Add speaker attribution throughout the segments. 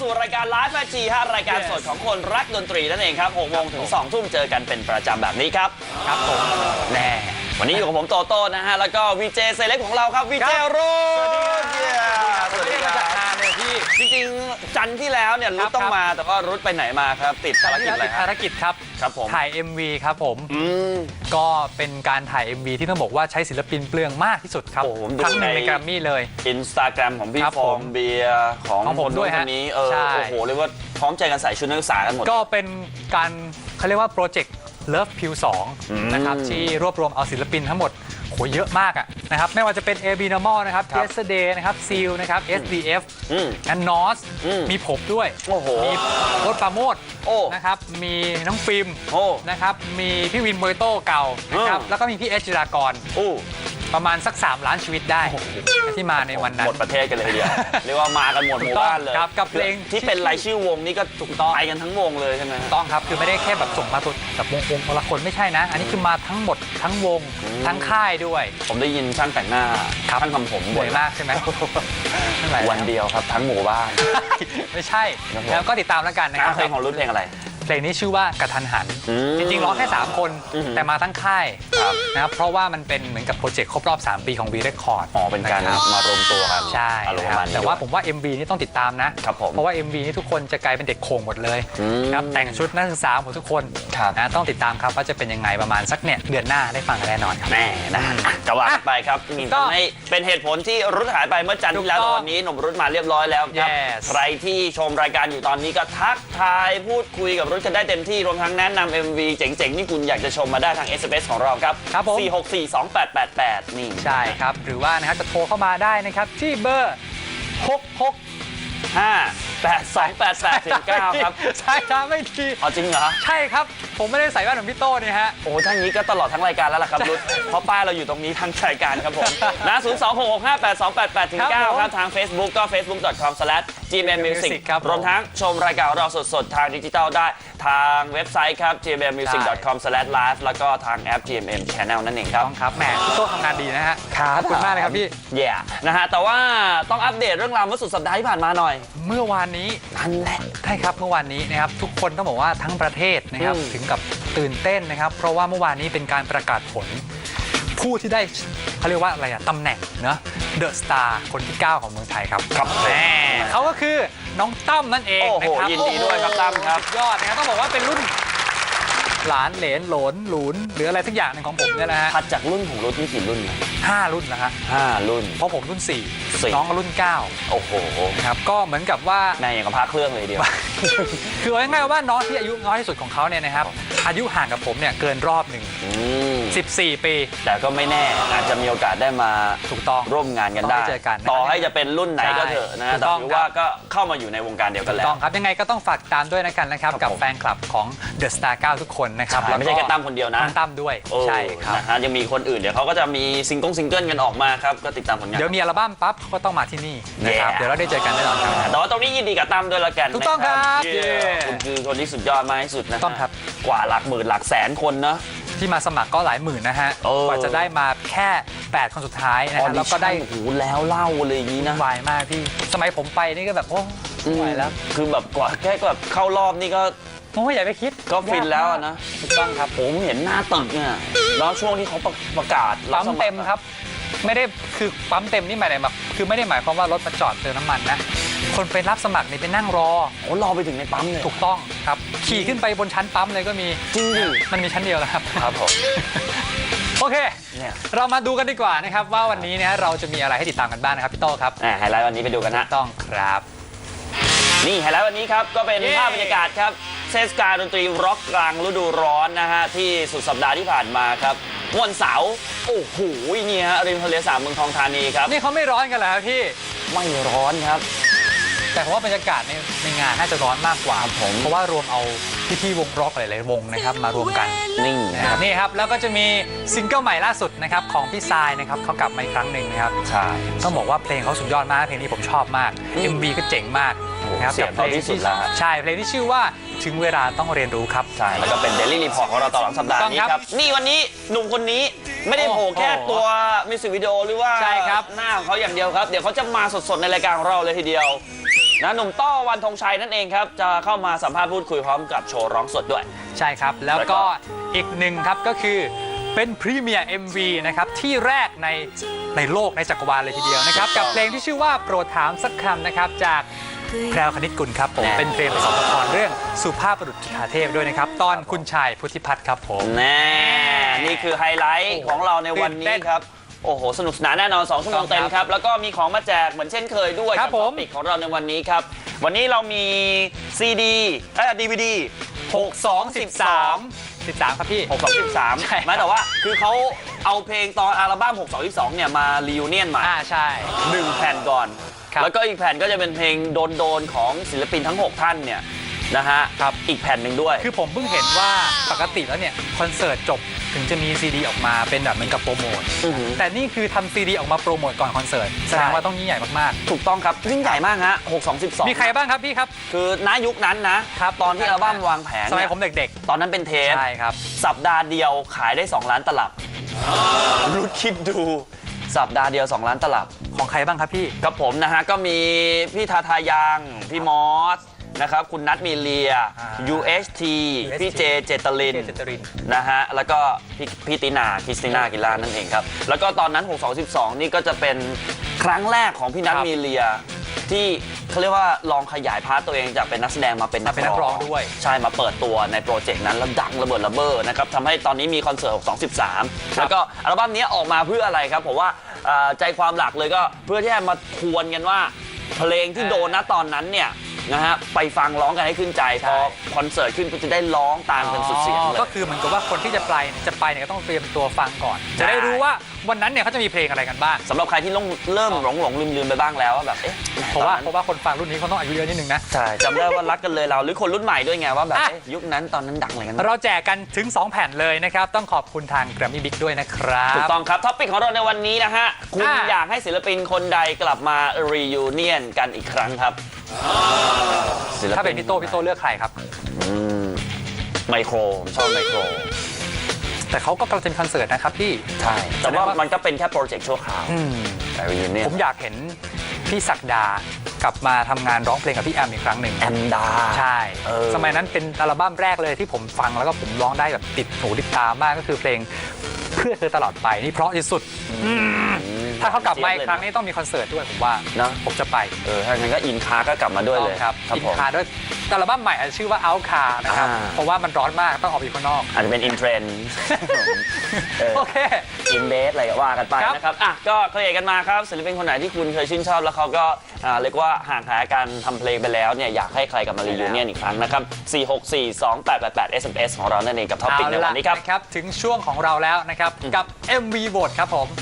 Speaker 1: สู่รายการไลฟ์แฟชีฮะรายการสดของคนรักดนตรีนั่นเองครับ6 โมงถึง 2 ทุ่มเจอกันเป็นประจำแบบนี้ครับ
Speaker 2: ครับผม
Speaker 1: แน่วันนี้อยู่กับผมโตโต้นะฮะแล้วก็วีเจเซเล็กของเราครับวีเจรุ่
Speaker 2: สวัสดีครับสวัสดีครับพี่
Speaker 1: จริงๆจันทร์ที่แล้วเนี่ยรุดต้องมาแต่ว่ารุดไปไหนมาครับติดภารกิจอะไร
Speaker 2: ภารกิจครับ
Speaker 1: ผม
Speaker 2: ถ่าย MV ครับผมก็เป็นการถ่าย MV ที่ต้องบอกว่าใช้ศิลปินเปลืองมากที่สุดครับทั้งในแกรมมี่เลย
Speaker 1: Instagram ของพี่ฟองเบียร์ของ
Speaker 2: ผมด้วย
Speaker 1: คนนี้โอ้โหเรียกว่าพร้อมใจกันใส่ชุดนักศึกษากันหมด
Speaker 2: ก็เป็นการเขาเรียกว่าโปรเจกต์ Love Pill 2นะครับที่รวบรวมเอาศิลปินทั้งหมดโหเยอะมากอะนะครับไม่ว่าจะเป็น AB Normal นะครับ Yesterday นะครับ Seal นะครับ SDF และ NOS มีผมด้วยมีโอ๊ตปราโมทนะครับมีน้องฟิล์มนะครับมีพี่วินโมยโต้เก่านะครับแล้วก็มีพี่เอชจิรากรประมาณสัก3 ล้านชีวิตได้ที่มาในวันนั้น
Speaker 1: หมดประเทศกันเลยทีเดียวเรียกว่ามากันหมดหมู่บ้านเลย
Speaker 2: กับเพลง
Speaker 1: ที่เป็นรายชื่อวงนี่ก็ถูกต้องไปกันทั้งวงเลยใช่ไหม
Speaker 2: ต้องครับคือไม่ได้แค่แบบส่งมาตัวแบบวงละคนไม่ใช่นะอันนี้คือมาทั้งหมดทั้งวงทั้งค่ายด้วย
Speaker 1: ผมได้ยินช่างแต่งหน้าช่างทำผม
Speaker 2: บ่อยมากใช่ไหม
Speaker 1: วันเดียวครับทั้งหมู่บ้าน
Speaker 2: ไม่ใช่แล้วก็ติดตามแล้วกันนะครับ
Speaker 1: เพลงของรุ่นเพลงอะไร
Speaker 2: เพลงนี้ชื่อว่ากระทันหันจริงๆร้องแค่3 คนแต่มาทั้งค่ายนะครับเพราะว่ามันเป็นเหมือนกับโปรเจกต์ครบรอบ3 ปีของ V Record
Speaker 1: เป็นการมารวมตัวกัน
Speaker 2: ใช่แต่ว่าผมว่า MV นี่ต้องติดตามนะเพราะว่า MV นี่ทุกคนจะกลายเป็นเด็กโขงหมดเลยครับแต่งชุดนักศึกษาหมดทุกคนนะต้องติดตามครับว่าจะเป็นยังไงประมาณสักเนี่ยเดือนหน้าได้ฟังกันแน่นอนครับ
Speaker 1: แน่นะจะว่าไปครับทำให้เป็นเหตุผลที่รุ่นหายไปเมื่อจันทร์ที่แล้ววันนี้หนุ่มรุ่นมาเรียบร้อยแล้วครับใครที่ชมรายการอยู่ตอนนี้ก็ทักทายพูดคุยกับรุ่นกันได้เต็มที่รวมทั้งแนะนำ MV เจ๋งๆที่คุณอยากจะชมมาได้ทาง SMS ของเราครับ4642888นี่
Speaker 2: ใช่ครับหรือว่านะครับจะโทรเข้ามาได้นะครับที่เบอร์
Speaker 1: 6658288-9ครับ
Speaker 2: ใช่ครับไม่ที
Speaker 1: จริงเหรอ
Speaker 2: ใช่ครับผมไม่ได้ใส่แว่นเหมือนพี่โต้นี่ฮะ
Speaker 1: โอ้ถ้างี้ก็ตลอดทั้งรายการแล้วล่ะครับรุ่นเพราะป้ายเราอยู่ตรงนี้ทั้งรายการครับผมนะ026658288-9ครับทาง Facebook ก็ facebook.com/gmmusic ครับรวมทั้งชมรายการเราสดๆทางดิจิทัลได้ทางเว็บไซต์ครับ gmmusic.com/live แล้วก็ทางแอป GMM Channel นั่นเองครับ
Speaker 2: ครับแหมพี่โต้ทำงานดีนะฮะขอบคุณมากเลยครับพี่
Speaker 1: นะฮะแต่ว่าต้องอัปเดตเรื่องราวเมื่อสุดสัปดาห์ที่ผ่านมาหน่อย
Speaker 2: เมื่อวานนี้
Speaker 1: นั่นแหละ
Speaker 2: ใช่ครับเมื่อวานนี้นะครับทุกคนต้องบอกว่าทั้งประเทศนะครับถึงกับตื่นเต้นนะครับเพราะว่าเมื่อวานนี้เป็นการประกาศผลผู้ที่ได้เขาเรียกว่าอะไรอะตำแหน่งเนอะเดอะสตาร์คนที่9ของเมืองไทยครับแหมเขาก็คือน้องตั้มนั่นเองนะครับ
Speaker 1: ยินดีด้วยครับตั้มครับ
Speaker 2: ยอดนะครับต้องบอกว่าเป็นรุ่นหลานเหลนหลนหลุนหรืออะไรสักอย่างหนึ่งของผมเนี่ยนะฮะ
Speaker 1: ถัดจากรุ่นของรุ่นที่กี่รุ่น
Speaker 2: 5 รุ่นนะฮะ
Speaker 1: 5 รุ่น
Speaker 2: เพราะผมรุ่น4น้องก็รุ่น9
Speaker 1: โอ้โห
Speaker 2: ครับก็เหมือนกับว่า
Speaker 1: ในอย่างกับพาเครื่องเลยเดียว
Speaker 2: คือง่ายๆว่าน้องที่อายุน้อยที่สุดของเขาเนี่ยนะครับอายุห่างกับผมเนี่ยเกินรอบหนึ่ง14 ปี
Speaker 1: แต่ก็ไม่แน่อาจจะมีโอกาสได้มา
Speaker 2: ถูกต้อง
Speaker 1: ร่วมงานกันได้ต่อให้จะเป็นรุ่นไหนก็เถอะนะแต่ถือว่าก็เข้ามาอยู่ในวงการเดียวกันแล้ว
Speaker 2: ต้องครับยังไงก็ต้องฝากตามด้วยนะครับกับแฟนคลับของ The Star 9 ทุกคนนะครับ
Speaker 1: ไม่ใช่แค่ตั้มคนเดียวนะ
Speaker 2: ตั้มด้วยใช่ครับ
Speaker 1: นะฮะยังมีคนอื่นเดี๋ยวเขาก็จะมีซิงเกิลกันออกมาครับก็ติดตามผลงาน
Speaker 2: เดี๋ยวมีอัลบั้มปั๊บก็ต้องมาที่นี่นะครับเดี๋ยวเราได้เจอกันแน่นอนครับ
Speaker 1: แต่ว่าตรงนี้ยินดีกับตั้มด้วยละกัน
Speaker 2: ถูกต้องครับ
Speaker 1: คุณคือคนที่สุดยอดมากที่สุดนะ
Speaker 2: ต้องครับ
Speaker 1: กว่าหลักหมื่นหลักแสนคนนะ
Speaker 2: ที่มาสมัครก็หลายหมื่นนะฮะกว่าจะได้มาแค่8 คนสุดท้ายนะฮะแล้วก็ได้
Speaker 1: โอ้โหแล้วเล่าเลยอย่างนี้นะ
Speaker 2: วายมากพี่สมัยผมไปนี่ก็แบบโอ้ไม่ไหวแล้ว
Speaker 1: คือแบบกว่าแค่แบบเข้ารอบนี่ก็
Speaker 2: โอ้ยอย่าไปคิด
Speaker 1: ก็ฟินแล้วนะ
Speaker 2: ถูกต้องครับ
Speaker 1: ผมเห็นหน้าตึกเนี่ยแล้วช่วงที่เขาประกาศ
Speaker 2: ปั๊มเต็มครับไม่ได้คือปั๊มเต็มนี่หมายถึงแบบคือไม่ได้หมายความว่ารถมาจอดเติมน้ำมันนะคนไปรับสมัครนี่ไปนั่งรอ
Speaker 1: รอไปถึงในปั๊มเลย
Speaker 2: ถูกต้องครับขี่ขึ้นไปบนชั้นปั๊มเลยก็มี
Speaker 1: จริงดิ
Speaker 2: มันมีชั้นเดียวแล้วครับ
Speaker 1: ครับผม
Speaker 2: โอเคเรามาดูกันดีกว่านะครับว่าวันนี้เนี่ยเราจะมีอะไรให้ติดตามกันบ้างนะครับพี่โต้ครับ
Speaker 1: ไฮไลท์วันนี้ไปดูกันนะ
Speaker 2: ต้องครับ
Speaker 1: นี่ไฮไลท์วันนี้ครับก็เป็นภาพบรรยากาศครับเทศกาลดนตรีร็อกกลางฤดูร้อนนะฮะที่สุดสัปดาห์ที่ผ่านมาครับวันเสาร์โอ้โหนี่ฮะริมทะเลสาบเมืองทองธานีครับ
Speaker 2: นี่เขาไม่ร้อนกันแล้วพี่
Speaker 1: ไม่ร้อนครับ
Speaker 2: แต่ผมว่าบรรยากาศในงานน่าจะร้อนมากกว่าผมเพราะว่ารวมเอาพี่วงร็อกหลายๆวงนะครับมารวมกันนี่ครับแล้วก็จะมีซิงเกิลใหม่ล่าสุดนะครับของพี่ทรายนะครับเขากลับมาอีกครั้งหนึ่งนะครับ
Speaker 1: ใช่
Speaker 2: ต้องบอกว่าเพลงเขาสุดยอดมากเพลงนี้ผมชอบมาก MV ก็เจ๋งมาก
Speaker 1: นะครับกับเพลงที่สุดแล้ว
Speaker 2: ใช่เพลงที่ชื่อว่าถึงเวลาต้องเรียนรู้ครับ
Speaker 1: ใช่แล้วก็เป็น Daily Report ของเราตลอดสัปดาห์นี้ครับนี่วันนี้หนุ่มคนนี้ไม่ได้โผล่แค่ตัวมิวสิกวิดีโอหรือว่าหน้าของเขาอย่างเดียวครับเดี๋ยวเขาจะมาสดๆในรายการของเราเลยทีเดียวนะหนุ่มต้อวันธงชัยนั่นเองครับจะเข้ามาสัมภาษณ์พูดคุยพร้อมกับโชว์ร้องสดด้วย
Speaker 2: ใช่ครับแล้วก็อีกหนึ่งครับก็คือเป็นพรีเมียร์ MV นะครับที่แรกในโลกในจักรวาลเลยทีเดียวนะครับกับเพลงที่ชื่อว่าโปรดถามสักคำนะครับจากแพรวคณิตกุลครับผมเป็นเพลงประกอบละครเรื่องสุภาพบุรุษจุฑาเทพด้วยนะครับตอนคุณชายพุทธิพัฒน์ครับผม
Speaker 1: แน่นี่คือไฮไลท์ของเราในวันนี้ครับโอ้โหสนุกสนานแน่นอน2 ชั่วโมงเต็มครับแล้วก็มีของมาแจกเหมือนเช่นเคยด้วยกับท็อปิกของเราในวันนี้ครับวันนี้เรามี DVD
Speaker 2: 13ครับพี่
Speaker 1: 13ไม่แต่ว่าคือเขาเอาเพลงตอนอัลบั้ม622เนี่ยมารีวิวเนียนใหม่
Speaker 2: ใช่
Speaker 1: 1 แผ่นก่อนแล้วก็อีกแผ่นก็จะเป็นเพลงโดนของศิลปินทั้ง6ท่านเนี่ยนะฮะอีกแผ่นหนึ่งด้วย
Speaker 2: คือผมเพิ่งเห็นว่าปกติแล้วเนี่ยคอนเสิร์ตจบถึงจะมีซีดีออกมาเป็นแบบเหมือนกับโปรโมทแต่นี่คือทำซีดีออกมาโปรโมทก่อนคอนเสิร์ตแสดงว่าต้องยิ่งใหญ่มาก
Speaker 1: ๆถูกต้องครับยิ่งใหญ่มากฮะ622
Speaker 2: มีใครบ้างครับพี่ครับ
Speaker 1: คือณยุคนั้นนะครับตอนที่อัลบั้มวางแผง
Speaker 2: สมัยผมเด็ก
Speaker 1: ๆตอนนั้นเป็นเทป
Speaker 2: ใช่ครับ
Speaker 1: สัปดาห์เดียวขายได้2 ล้านตลับรุดคิดดูสัปดาห์เดียว2 ล้านตลับ
Speaker 2: ของใครบ้างครับพี่
Speaker 1: กับผมนะฮะก็มีพี่ทาทายังพี่มอสนะครับคุณนัทมีเลีย UHT พี่เจเจตลินนะฮะแล้วก็พี่ตินาคริสติน่ากิลานั่นเองครับแล้วก็ตอนนั้น622นี่ก็จะเป็นครั้งแรกของพี่นัทมีเลียที่เขาเรียกว่าลองขยายพาร์ทตัวเองจากเป็นนักแสดงมาเป็นนักร้อง
Speaker 2: ด้วย
Speaker 1: ใช่มาเปิดตัวในโปรเจกต์นั้นแล้วดังระเบิดระเบ้อนะครับทำให้ตอนนี้มีคอนเสิร์ต623แล้วก็อัลบั้มนี้ออกมาเพื่ออะไรครับผมว่าใจความหลักเลยก็เพื่อที่จะมาทวนกันว่าเพลงที่โดนณตอนนั้นเนี่ยนะฮะไปฟังร้องกันให้ขึ้นใจพอคอนเสิร์ตขึ้นก็จะได้ร้องตามกันสุดเสียงเลย
Speaker 2: ก็คือเหมือนกับว่าคนที่จะไปเนี่ยก็ต้องเตรียมตัวฟังก่อนจะได้รู้ว่าวันนั้นเนี่ยเขาจะมีเพลงอะไรกันบ้าง
Speaker 1: สำหรับใครที่เริ่มหลงลืมไปบ้างแล้วว่าแบบ
Speaker 2: เพราะว่าคนฟังรุ่นนี้เขาต้องอายุเยอะนิดนึงนะ
Speaker 1: ใช่จำได้ว่ารักกันเลยเราหรือคนรุ่นใหม่ด้วยไงว่าแบบยุคนั้นตอนนั้นดังอะไรกัน
Speaker 2: เราแจกกันถึง2 แผ่นเลยนะครับต้องขอบคุณทาง Grammy Big ด้วยนะครับ
Speaker 1: ถูกต้องครับท็อปิกของเราในวันนี้นะฮะคุณอยากให้ศิลปินคนใดกลับมารียูเนียนกันอีกครั้งครับ
Speaker 2: ถ้าเป็นพี่โต้เลือกใครครับ
Speaker 1: ไมโครผมชอบไมโคร
Speaker 2: แต่เขาก็กำลังจะมีคอนเสิร์ตนะครับพี่
Speaker 1: ใช่แต่ว่ามันก็เป็นแค่โปรเจกต์ชั่วคราวแต่รียูเนียน
Speaker 2: ผมอยากเห็นพี่ศักดากลับมาทำงานร้องเพลงกับพี่แอมอีกครั้งหนึ่ง
Speaker 1: แอมดา
Speaker 2: ใช่สมัยนั้นเป็นอัลบั้มแรกเลยที่ผมฟังแล้วก็ผมร้องได้แบบติดหูติดตามากก็คือเพลงเพื่อเธอตลอดไปนี่เพราะที่สุดถ้าเขากลับมาอีกครั้งนี้ต้องมีคอนเสิร์ตด้วยผมว่า
Speaker 1: นะ
Speaker 2: ผมจะไป
Speaker 1: ถ้าอย่างนั้นก็อินคาก็กลับมาด้วยเลย
Speaker 2: ครับอินคาด้วยอัลบั้มใหม่ชื่อว่า Out Car นะครับเพราะว่ามันร้อนมากต้องออกไปข้างนอก
Speaker 1: อาจจะเป็นอินเทรนด์
Speaker 2: โอเค
Speaker 1: อินเบสอะไรก็ว่ากันไปนะครับก็เคยกันมาครับศิลปินคนไหนที่คุณเคยชื่นชอบแล้วเขาก็เรียกว่าห่างหายการทำเพลงไปแล้วเนี่ยอยากให้ใครกลับมารียูเนียนอีกครั้งนะครับ4642888 SMS ของเรานั่นเองกับท็อปิกในวันนี้
Speaker 2: ครับถึงช่วงของเราแล้วนะครับกับ MV Vote ครับผม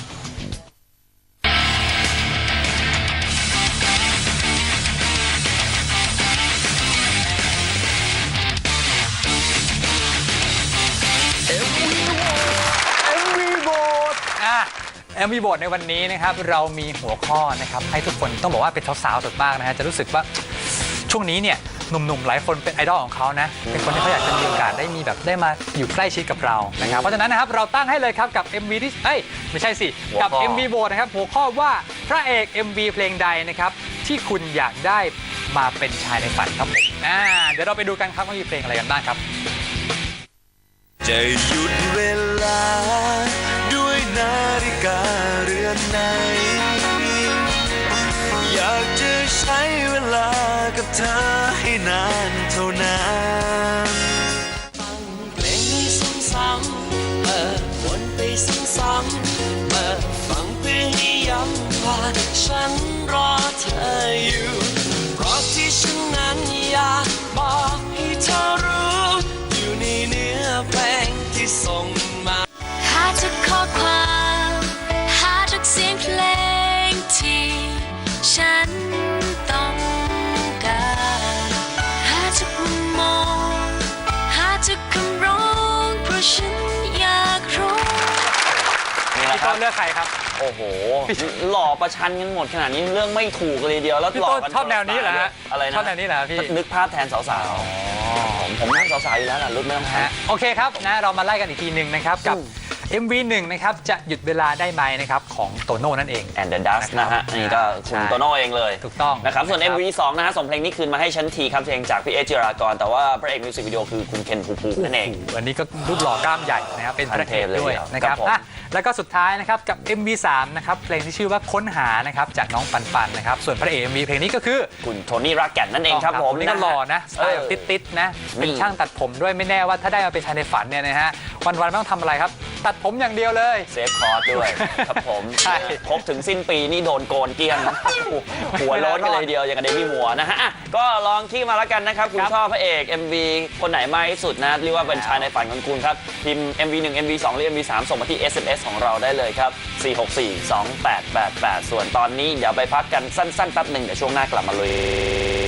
Speaker 2: MV Vote ในวันนี้นะครับเรามีหัวข้อนะครับให้ทุกคนต้องบอกว่าเป็นสาวๆสุดมากนะฮะจะรู้สึกว่าช่วงนี้เนี่ยหนุ่มๆหลายคนเป็นไอดอลของเขานะเป็นคนที่เขาอยากจะมีโอกาสได้มาอยู่ใกล้ชิดกับเรานะครับเพราะฉะนั้นนะครับเราตั้งให้เลยครับกับ MV ที่ไม่ใช่สิกับ MV Vote นะครับหัวข้อว่าพระเอก MV เพลงใดนะครับที่คุณอยากได้มาเป็นชายในฝันครับผมเดี๋ยวเราไปดูกันครับว่ามีเพลงอะไรกันบ้างครับ
Speaker 3: จะหยุดเวลาด้วยนาฬิกาเรือนไหนอยากจะใช้เวลากับเธอให้นานเท่านานฟังเพลงนี้ซ้ำๆวนไปซ้ำๆฟังเพื่อให้ย้ำว่าฉันรอเธออยู่เพราะที่ฉันนั้นอยากบอกให้เธอรู้อยู่ในเนื้อเพลงที่ส่งมา
Speaker 4: หาทุกข้อความหาทุกเสียงเพลงที่ฉันต้องการหาทุกมุมมองหาทุกคำร้องเพราะฉันอยากรู้
Speaker 1: นี่แหละครับ
Speaker 2: เลือกใครครับ
Speaker 1: โอ้โหหล่อประชันกันหมดขนาดนี้เรื่องไม่ถูกเลยเดียวแล้วหล่อกัน
Speaker 2: ชอบแนวนี้เหรอฮะ
Speaker 1: อะไรนะ
Speaker 2: ชอบแนวนี้เหรอพี่
Speaker 1: นึกภาพแทนสาวๆผมนั่งสาวๆอยู่แล้วนะรุ่นไม่ต้องแพ้
Speaker 2: โอเคครับนะเรามาไล่กันอีกทีหนึ่งนะครับกับ MV 1นะครับจะหยุดเวลาได้ไหมนะครับของโตโน่นั่นเอง
Speaker 1: and the dust นะฮะนี่ก็คุณโตโน่เองเลย
Speaker 2: ถูกต้อง
Speaker 1: นะครับส่วน
Speaker 2: นะครับ
Speaker 1: MV 2นะฮะส่งเพลงนี้คืนมาให้ฉันทีครับเพลงจากพี่เอจิรากรแต่ว่าพระเอกมิวสิกวิดีโอคือคุณเคนภูมินั่นเอง
Speaker 2: อันนี้ก็รูปหล่อกล้ามใหญ่นะครับเป็นพระเอกด้วย
Speaker 1: ขั้นเทพเลย
Speaker 2: นะครับ
Speaker 1: ครับผม
Speaker 2: อ่ะแล้วก็สุดท้ายนะครับกับ MV 3นะครับเพลงที่ชื่อว่าค้นหานะครับจากน้องปันปันนะครับส่วนพระเอก MV เพลงนี้ก็คือ
Speaker 1: คุณโทนี่รักแก่นนั่นเองครับผม
Speaker 2: นนี่ก็หล่อนะสไตล์แบบติดๆนะเป็นช่างตัดผมด้วยไม่แน่ว่าถ้าได้มาเป็นชายในฝันเนี่ยนะฮะวันๆไม่ต้องทำอะไรครับตัดผมอย่างเดียวเลย
Speaker 1: เซฟคอร์สด้วยครับผม
Speaker 2: ใช่
Speaker 1: ครบถึงสิ้นปีนี่โดนโกนเกลี้ยงหัวโล้นกันเลยทีเดียวอย่างกับเดมี่มัวร์นะฮะอ่ะก็ลองขี้มาแล้วกันนะครับคุณชอบพระเอก MV คนไหนมากที่สุดนะเรียกว่าเป็นชายในฝันของคุณครับพิมพ์ MV 1 MV 2หรือ MV 3ส่งมาที่ SMS ของเราได้เลยครับ4642888ส่วนตอนนี้เดี๋ยวไปพักกันสั้นๆแป๊บหนึ่งเดี๋ยวช่วงหน้ากลับมาเลย